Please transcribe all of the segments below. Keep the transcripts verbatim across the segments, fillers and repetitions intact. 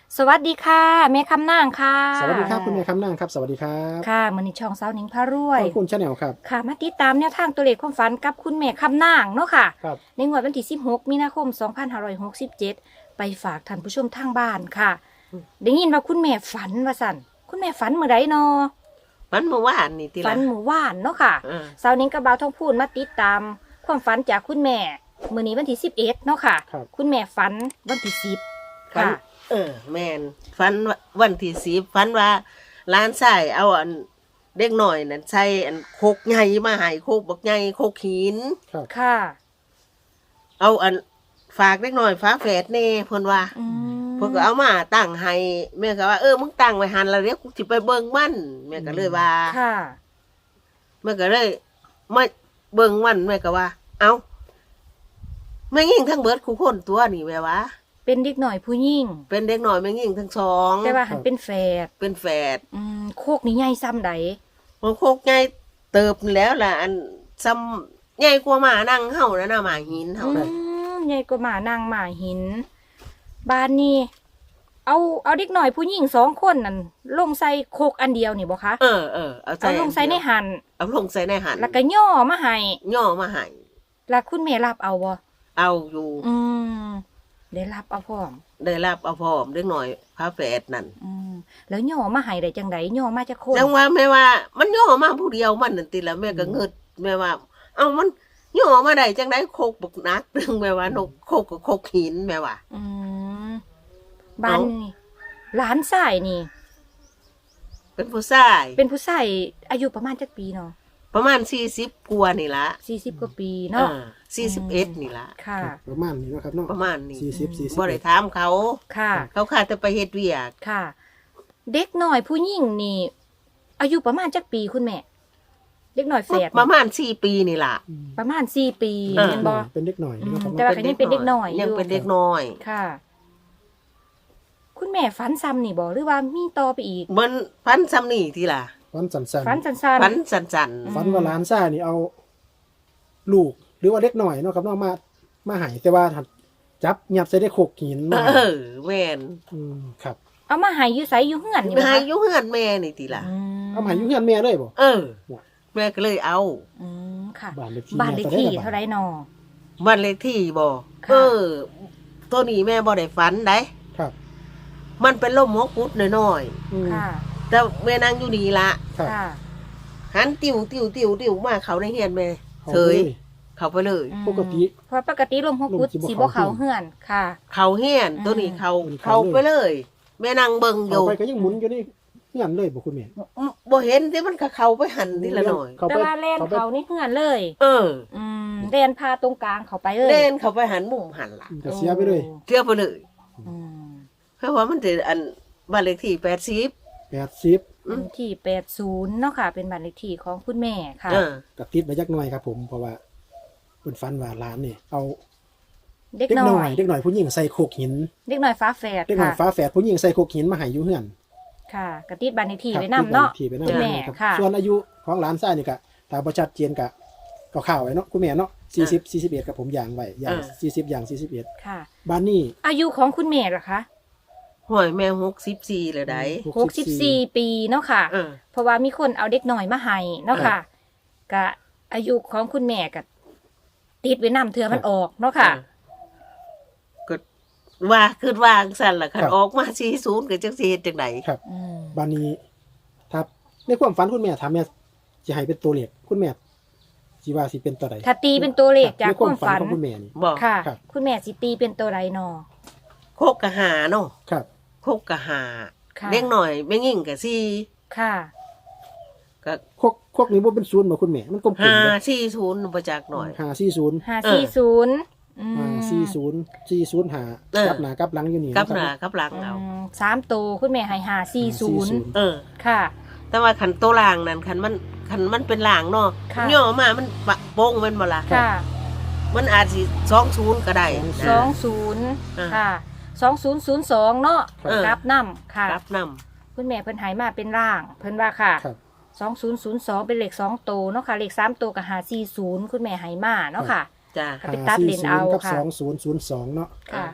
สวัสดีค่ะแม่คำนางค่ะสวัสดีครับคุณแม่คำนางครับสวัสดีครับค่ะมื้อนี้ช่องเสาหนิงพารวยขอบคุณชาแนลครับค่ะมาติดตามแนวทางตัวเลขความฝันกับคุณแม่คำนางเนาะค่ะครับในงวดวันที่สิบหกมีนาคมสองพันห้าร้อยหกสิบเจ็ดไปฝากท่านผู้ชมทางบ้านค่ะได้ยินว่าคุณแม่ฝันว่าสั่นคุณแม่ฝันเมื่อใดเนาะฝันเมื่อวานนี่ติฝัละนเมื่อวานเนาะค่ะเออเสาหนิงกับบ่าวทองพูนมาติดตามความฝันจากคุณแม่มื้อนี้วันที่สิบเอ็ดเนาะค่ะครับคุณแม่ฝันวันที่สิบฝันค่ะเออ แมนฝันว่าวันที่สิบฝันว่าร้านใส่เอาอันเด็กหน่อยนั่นใส่อันโคกใหญ่มาให้โคกบักใหญ่โคกหินครับค่ะเอาอันฝากเด็กหน่อยฟ้าแฝดแน่เพิ่นว่าอืมเพิ่นก็เอามาตั้งให้แม่ก็ว่าเออมึงตั้งไว้หันแล้วเดี๋ยวกูสิไปเบิ่งมันแม่ก็เลยว่าค่ะแม่ก็เลยมาเบิ่งมันแม่ก็ว่า เอ้าแม่ยิ่งทั้งเบิดคู่คนตัวนี่แม่ว่าเป็นเด็กหน่อยผู้หญิงเป็นเด็กหน่อยแม่ยิ่งทั้งสองแต่ว่าหันเป็นแฝดเป็นแฝดอืมโคกนี่ใหญ่ซ้ำใดมันโคกใหญ่เติบแล้วล่ะอันซ้ำใหญ่กว่าหมานั่งเฮานะนะหมาหินเฮาอืนะมใหญ่กว่าหมานางหมาหิน บ้านนี้ เอาเอาเด็กหน่อยผู้หญิงสองคนนั่นลงใส่โคกอันเดียวนี่บ่คะเออเออเอาเอาลงใส่ในหันเอาลงใส่ในหันแล้วก็ย่อมาให้ย่อมาให้แล้วคุณแม่รับเอาบ่เอาอยู่อืมได้รับเอาพร้อมได้รับเอาพร้อมเด็กหน่อยพาแฝดนั่นอืมแล้วย่อมาให้ได้จังไดย่อมาจากคนจังว่าแม่ว่า มันย่อมาผู้เดียวมันนั่นติละแม่ก็เงิดแม่ว่า เอ้ามันย่อมาได้จังไดโคกบักนักเรื่องแม่ว่านกโคกกับโคกหินแม่ว่าอืมบ้านนี่หลานชายนี่เป็นผู้ชายเป็นผู้ชายอายุประมาณจักปีเนาะประมาณสี่สิบกว่านี่ละสี่สิบกว่าปีเนาะสี่สิบเอ็ดนี่ละค่ะครับประมาณนี้เนาะครับเนาะประมาณนี้สี่สิบสี่สิบบ่ได้ถามเขาค่ะเขาขาดแต่ไปเฮ็ดเวียกค่ะ เด็กหน่อยผู้หญิงนี่ อายุประมาณจักปีคุณแม่ เด็กหน่อยแฝดประมาณสี่ปีนี่ล่ะอืมประมาณสี่ปีเออเห็นบ่เป็นเด็กหน่อยเนาะครับแต่เนาะว่า ยังเป็นเด็กน้อยอยู่ยังเป็นเด็กน้อยค่ะ คุณแม่ฝันซ้ำนี่บ่หรือว่ามีต่อไปอีกมันฟันซ้ำนี่ทีล่ะฟันสันสันฝันสั้นฟันสันอืมฟันว่าหลานซ่านี่เอา ลูก หรือว่าเด็กหน่อยเนาะครับเนาะมามาใหายแต่ว่าหัดจับยัดใส่ได้โขกหินๆมาเออแม่นอืมครับๆเอามาให้อยู่ไสอยู่เฮือนนี่ไปบ่หาคะอยู่เฮือนแม่นี่ทีล่ะอืมเอามาใหายอยู่เฮือนแม่เลยบ่เออ แม่ก็เลยเอาอืมค่ะบ้านเลขที่บ้านเลขที่เท่าไรนอบ้านเลขที่บ่ค่ะเออ ตัวนี้แม่บ่ได้ฝันได้ครับมันเป็นลมหัวกุดน้อยอืมค่ะๆแต่แม่นั่งอยู่นี่ละครับค่ะหันติวติวติวติวมาเขาในเฮือนแม่อาเฉยลเขาไปเลยอืมปกติเพราะปกติลมฮกกุดลมสิบ่สิบ่เข้าเขาเฮือนค่ะเขาเฮือนอืมตัวนี้เขาอืมเขาเขาเลยไปเลย แม่นั่งเบิ่งอเอายู่ไปก็ยังหมุนอยู่ในเฮือนเลยบ่คุณแม่บ่เห็นที่มันก็เข้าไปหันทีละหน่อยเขาแต่ไปว่าแล่นเขาไปเขานี่เฮือนเลยเอออืมแล่นพาตรงกลางเขาไปเลยเล่นเข้าไปหันมุมหันล่ะก็เสียไปเลยเที่ยวไปเลยอืมเพราะว่ามันจะอันบ้านเลขที่แปดสิบแปดสิบอืมบ้านเลขที่แปดสิบเนาะค่ะ เป็นบ้านเลขที่ของคุณแม่ค่ะเออกับติดไปยักหน่อยครับ ผม เพราะว่าเป็นฟันว่าหลานนี่เอาเด็กเด็กน้หน่ออย ยเด็กหน่อยผู้หญิงใส่โขกหินเด็กน้อยฟ้าแฝดเด็กหน่อยค่ะฟ้าแฝดผู้หญิงใส่โขกหินมาใหายอยู่เฮือนค่ะกระติดบ้านเลขที่ครับไว้นำเนาะที่ไปนำคุณแม่ครับค่ะส่วนอายุของหลานชายนี่ก็ตามประชัดเจียนกะก็ข่าวไว้เนาะคุณแม่เนาะสี่สิบสี่สิบเอ็ดกับผมอย่างไว้อย่างเออสี่สิบอย่างสี่สิบเอ็ดค่ะบ้านนี้อายุของคุณแม่ล่ะคะห่วยแม่หกสิบสี่เลยได้หกสิบสี่ปีเนาะค่ะเออเพราะว่ามีคนเอาเด็กน้อยมาให้เนาะค่ะกะอายุของคุณแม่กะติดไว้นำเทือมันออกเนาะค่ะก็ว่าคือวางสั่นล่ะคันออกมาสี่ศูนย์ก็จังสิเฮ็ดจังไดครับอืมบ้านนี้ถ้าในความฝันคุณแม่ถามแม่สิให้เป็นตัวเลขคุณแม่สิว่าสิเป็นตัวใดถ้าตีเป็นตัวเลขจากในความฝันของคุณแม่นี่บอกค่ะครับคุณแม่สิตีเป็นตัวไรนอโคกกะหาเนาะครับโคกกะหาค่ะเล็กหน่อยแม่ยิ่งกะสี่ค่ะก็โคกโคกนี้บ่เป็นศูนย์บ่คุณแม่มันกลมๆห้าเด้อสี่ศูนย์บ่จักหน่อยห้าสี่ศูนย์ห้าเออสี่ศูนย์อืมห้าสี่ศูนย์สี่ศูนย์ห้าเออกับหน้ากับหลังอยู่นี่กับะครับหน้ากับหลังเอาอืมสามตัวคุณแม่ให้ห้าสี่ศูนย์เออค่ะแต่ว่าขันโตวล่างนั่นขันมันขันมันเป็นล่างเนาะค่ะย่อมามันปะโป้งมันบ่ล่ะค่ะมันอาจสิสองศูนย์ก็ได้นะสองศูนย์อ่าค่ะสองศูนย์ศูนย์สองเนาะเออกลับน้ำค่ะรับนคุณแม่เพิ่นใหายมาเป็นร่าง เพิ่นว่าค่ะครับสองศูนย์ศูนย์สองเป็นเลขสองตัวเนาะค่ะเลขสามตัวกับหาสี่ศูนย์คุณแม่ใหายมาเนาะค่ะำจ้าก็ไปตัดเลนเอากับค่ะสองศูนย์ศูนย์สองเนาะค่ะ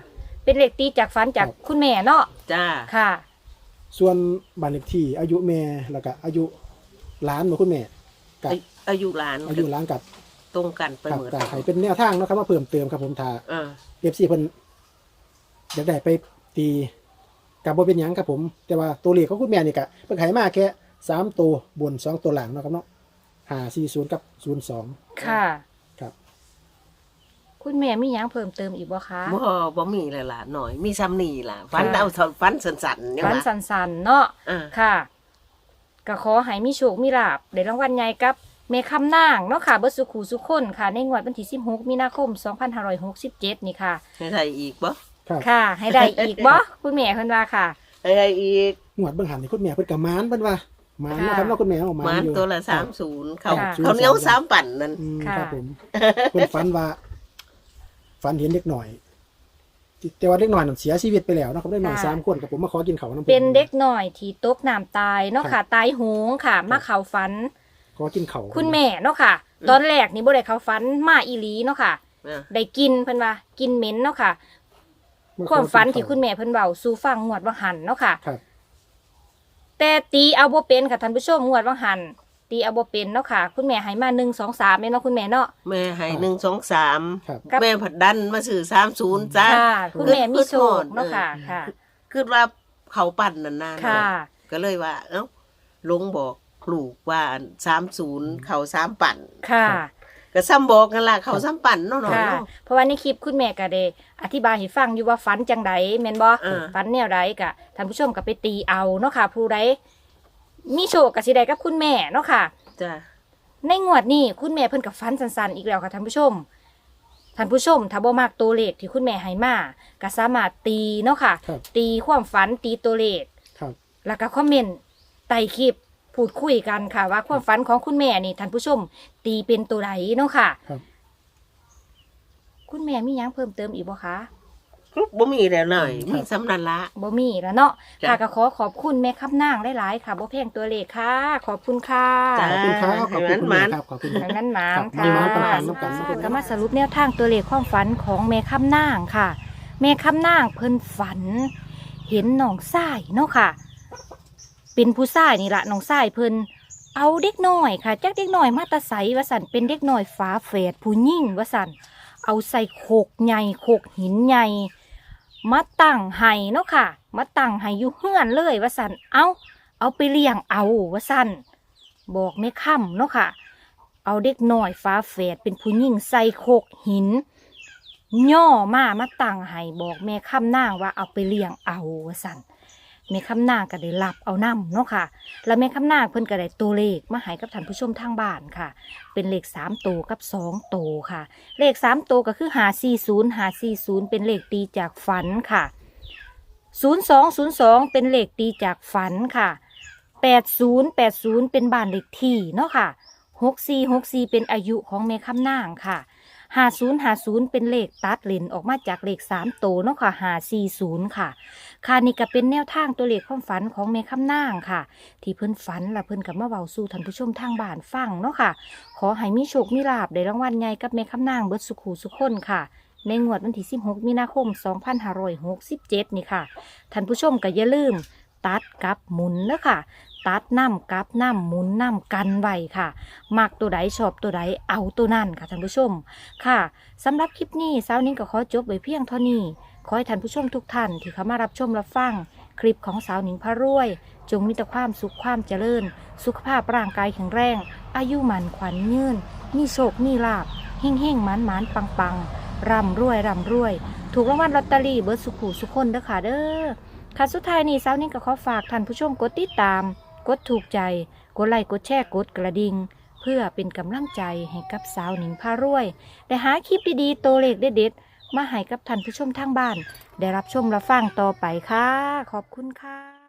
เป็นเลขตีจากฝันจากครับคุณแม่เนาะจ้าค่ะส่วนบ้านเลขที่อายุแม่แล้วก็อายุหลานของคุณแม่กับอาอายุหลานอายุหลานกับตรงกันไปครับเหมือนแต่ให้เป็นแนวทางเนาะครับว่าเพิ่มเติมครับผมถ้าอ่าเอฟซีเพิ่นอยากได้ไปตีกับบ่เป็นหยังครับผม แต่ว่าตัวเลขของคุณแม่นี่ก็เพิ่นให้มาแค่สามตัวบนสองตัวหลังเนาะครับเนาะห้าสี่ศูนย์กับศูนย์สองค่ะครับคุณแม่มีหยังเพิ่มเติมอีกบ่คะบ่บ่มีเลยล่ะหน่อย มีซ้ำนี่ล่ะฟันเอาเท่าฟันสันๆเนี่ยฝันว่ะสันๆเนาะอ่าค่ะก็ขอให้มีโชคมีลาภได้รางวัลใหญ่กับแม่คำนางเนาะค่ะเบิดสุขูสุขคนค่ะ ในงวดวันที่สิบหกมีนาคมสองพันห้าร้อยหกสิบเจ็ดนี่ค่ะให้ได้อีกบ่ครับค่ะ ให้ได้อีกบ่ คุณแม่เพิ่นว่าค่ะให้ได้อีกงวดเบิ่งหันนี่คุณแม่เพิ่นก็หมานเพิ่นว่าหมานเนาะครับค่ะเนาะคุณแม่เอาหมานมันอยู่ตัวละคสารับมศูนย์เขาค่ะเขาวเหนียวสามปั่นนั่นอืมค่ะครับผมเพิ่นฝันว่าฝันเห็นเด็กหน่อย แต่ว่าเด็กหน่อยนั่นเสียชีวิตไปแล้วเนาะครับเด็กหน่อยค่ะสามคนกับผมมาขอกินข้าวนำเป็นเด็กหน่อยที่ตกน้ำตายเนาะค่ะ ตายโหงค่ะ มาเข้าฝันขอกินข้าวคุณแม่เนาะค่ะ ตอนแรกนี่บ่ได้เข้าฝันมาอีหลีเนาะค่ะอ่าได้กินเพิ่นว่ากินเหม็นเนาะค่ะมาขอความฝันที่กิคุณแม่เพิ่นเว้าสู่ฟังงวดว่าหันเนาะค่ะครับแต่ตีเอาบ่เป็นค่ะท่านผู้ชมงวดว่าหันตีเอาบ่เป็นเนาะค่ะ คุณแม่ให้มาหนึ่งสองสามแม่เนาะคุณแม่เนาะแม่ให้หนึ่งสองสามครับครับแม่ผัดดันมาสื่อสามศูนย์จ้าค่ะ คุณแม่มีโชคเนาะค่ะเออค่ะคือว่าเขาปั่นนานค่ะๆก็เลยว่า เอ้าลุงบอกลูกว่าสามศูนย์เขาสามปั่นค่ะก็ซ้ำบอกกันล่ะเขาซ้ำปั่นเนาะเนาะค่ะเนาะเพราะว่าในคลิปคุณแม่ก็ได้อธิบายให้ฟังอยู่ว่าฝันจังใดแม่นบ่อ่าฝันแนวใดก็ท่านผู้ชมก็ไปตีเอาเนาะค่ะ ผู้ใดมีโชคก็สิได้กับคุณแม่เนาะค่ะจ้าในงวดนี้คุณแม่เพิ่นกับฟันสันๆอีกแล้วค่ะท่านผู้ชมท่านผู้ชมถ้าบ่มักตัวเลขที่คุณแม่ให้มาก็สามารถตีเนาะค่ะครับตีความฝันตีตัวเลขครับแล้วก็คอมเมนต์ใต้คลิปพูดคุยกันค่ะ ว่าความฝันของคุณแม่นี่ท่านผู้ชม ตีเป็นตัวใดเนาะค่ะครับคุณแม่มีหยังเพิ่มเติมอีกบ่คะบ่มีแล้วหน่อยครับมีสำนันละบ่มีแล้วเนาะจ้ะค่ะก็ขอขอบคุณแม่คำนางหลายๆค่ะบ่แพงตัวเลขค่ะ ขอบคุณค่ะจ้ะขอบคุณครับขอบคุณคุณให้มัแม่นครับขอบคุณดังนั้นหมานครับค่ะมีหมานปังๆน้ำกันนะคุณก็มาสรุปแนวทางตัวเลขความฝันของแม่คำนางค่ะ แม่คำนางเพิ่นฝัน เห็นน้องทรายเนาะค่ะ เป็นผู้ชายนี่ละน้องทรายเพิ่นเอาเด็กน้อยค่ะจักเด็กน้อยมาแตะไสว่าสันเป็นเด็กน้อยฝาแฝดผู้หญิงว่าสันเอาใส่โขกใหญ่โขกหินใหญ่มาตั้งให้เนาะค่ะ มาตั้งให้อยู่เฮือนเลยว่าสันเอาเอาไปเลี้ยงเอาว่าสันบอกไม่ค่ำเนาะค่ะ เอาเด็กน้อยฟ้าแฝดเป็นผู้หญิงใส่โขกหิน ย่อมามาตั้งให้บอกแม่คำนางว่าเอาไปเลี้ยงเอาว่าสันแม่คำนางก็ได้รับเอานำเนาะค่ะ แล้วแม่คำนางเพิ่นก็ได้ตัวเลขมาให้กับท่านผู้ชมทางบ้านค่ะ เป็นเลขสามตัวกับสองตัวค่ะ เลขสามตัวก็คือหาสี่ศูนย์หาสี่ศูนย์เป็นเลขตีจากฝันค่ะศูนย์สองศูนย์สองเป็นเลขตีจากฝันค่ะแปดศูนย์แปดศูนย์เป็นบ้านเลขที่เนาะค่ะหกสี่หกสี่เป็นอายุของแม่คำนางค่ะห้าศูนย์ห้าศูนย์เป็นเลขตัดเลนออกมาจากเลขสามตัวเนาะค่ะห้าสี่ศูนย์ค่ะ ค่ะนี่ก็เป็นแนวทางตัวเลขความฝันของแม่คำนางค่ะ ที่เพิ่นฝันและเพิ่นกับมาเว้าสู่ท่านผู้ชมทางบ้านฟังเนาะค่ะ ขอให้มีโชคมีลาภได้รางวัลใหญ่กับแม่คำนางเบิดสุขูสุขคนค่ะ ในงวดวันที่สิบหกมีนาคมสองพันห้าร้อยหกสิบเจ็ดนี่ค่ะท่านผู้ชมก็อย่าลืม ตัดกับหมุนเนาะค่ะ ตัดน้ำกับน้ำหมุนน้ำกันไว้ค่ะ มักตัวใดชอบตัวใดเอาตัวนั่นค่ะท่านผู้ชมค่ะสำหรับคลิปนี้สาวนิ้งก็ขอจบไว้เพียงเท่านี้ ขอให้ท่านผู้ชมทุกท่านที่เข้ามารับชมรับฟังคลิปของสาวหนิงพระรวย จงมีแต่ความสุขความเจริญ สุขภาพร่างกายแข็งแรง อายุหมันขวัญยืนมีโชคมีลาภเฮ่งเฮ่งหมันหมันปังปังร่ำรวยร่ำรวย ถูกรางวัลลอตเตอรี่เบิร์ดสุขหูสุขคนเด้อค่ะเด้อค่ะสุดท้ายนี้สาวหนิงก็ขอฝากท่านผู้ชมกดติดตาม กดถูกใจกดไลค์กดแชร์กดกระดิ่งเพื่อเป็นกำลังใจให้กับสาวหนิงพารวยได้หาคลิปดีๆตัวเลขเด็ดๆมาให้กับท่านผู้ชมทางบ้าน ได้รับชมรับฟังต่อไปค่ะ ขอบคุณค่ะ